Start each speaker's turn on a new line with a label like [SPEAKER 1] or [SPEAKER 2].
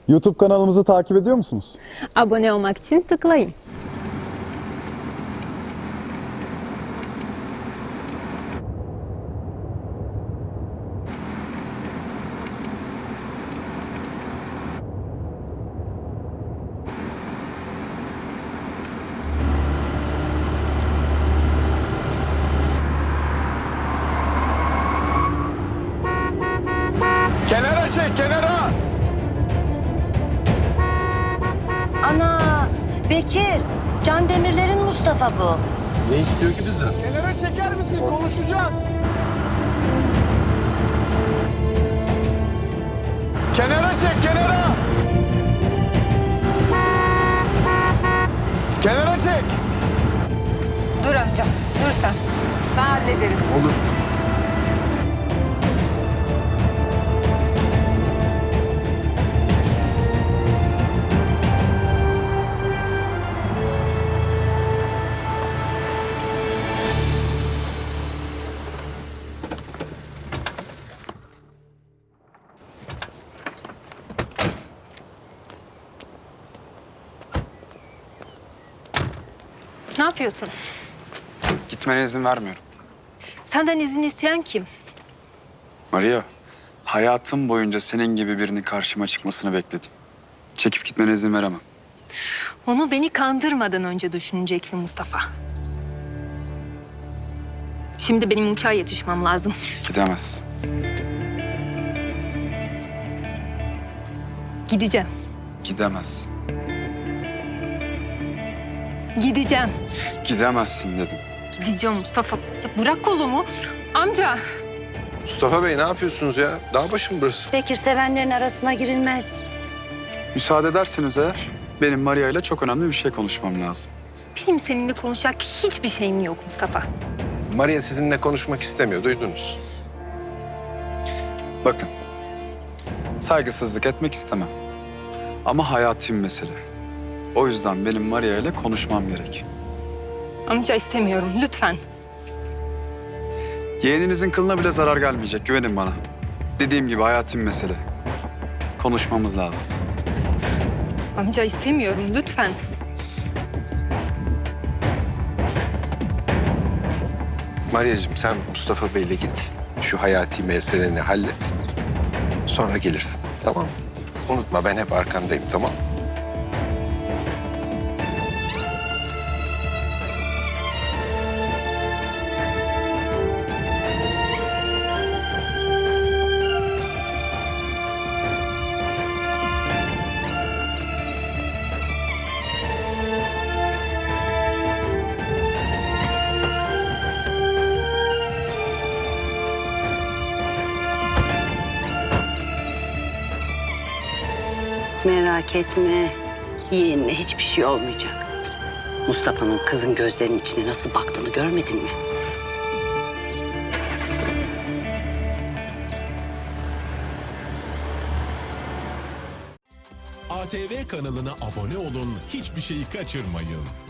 [SPEAKER 1] YouTube kanalımızı takip ediyor musunuz?
[SPEAKER 2] Abone olmak için tıklayın.
[SPEAKER 3] Kenara çek, kenara!
[SPEAKER 4] Ana, Bekir, Can Demirler'in Mustafa bu.
[SPEAKER 5] Ne istiyor ki bizden?
[SPEAKER 3] Kenara çeker misin? Konuşacağız. Kenara çek, kenara! Kenara çek!
[SPEAKER 2] Dur amca, dur sen. Ben hallederim.
[SPEAKER 5] Olur.
[SPEAKER 2] Ne yapıyorsun?
[SPEAKER 6] Gitmene izin vermiyorum.
[SPEAKER 2] Senden izin isteyen kim?
[SPEAKER 6] Maria, hayatım boyunca senin gibi birinin karşıma çıkmasını bekledim. Çekip gitmene izin veremem.
[SPEAKER 2] Onu beni kandırmadan önce düşünecektin Mustafa. Şimdi benim uçağa yetişmem lazım.
[SPEAKER 6] Gidemezsin.
[SPEAKER 2] Gideceğim.
[SPEAKER 6] Gidemezsin.
[SPEAKER 2] Gideceğim.
[SPEAKER 6] Gidemezsin dedim.
[SPEAKER 2] Gideceğim Mustafa. Ya bırak kolumu. Amca.
[SPEAKER 5] Mustafa Bey ne yapıyorsunuz ya? Dağ başı mı burası?
[SPEAKER 4] Bekir, sevenlerin arasına girilmez.
[SPEAKER 6] Müsaade ederseniz eğer benim Maria ile çok önemli bir şey konuşmam lazım.
[SPEAKER 2] Benim seninle konuşacak hiçbir şeyim yok Mustafa.
[SPEAKER 5] Maria sizinle konuşmak istemiyor, duydunuz.
[SPEAKER 6] Bakın, saygısızlık etmek istemem. Ama hayati bir mesele. O yüzden benim Maria ile konuşmam gerek.
[SPEAKER 2] Amca istemiyorum lütfen.
[SPEAKER 6] Yeğeninizin kılına bile zarar gelmeyecek, güvenin bana. Dediğim gibi hayati bir mesele. Konuşmamız lazım.
[SPEAKER 2] Amca istemiyorum lütfen.
[SPEAKER 5] Maria'cığım sen Mustafa Bey'le git. Şu hayati meseleni hallet. Sonra gelirsin, tamam mı? Unutma ben hep arkandayım, tamam mı?
[SPEAKER 4] Merak etme, yeğenine hiçbir şey olmayacak. Mustafa'nın kızın gözlerinin içine nasıl baktığını görmedin mi?
[SPEAKER 7] ATV kanalına abone olun, hiçbir şeyi kaçırmayın.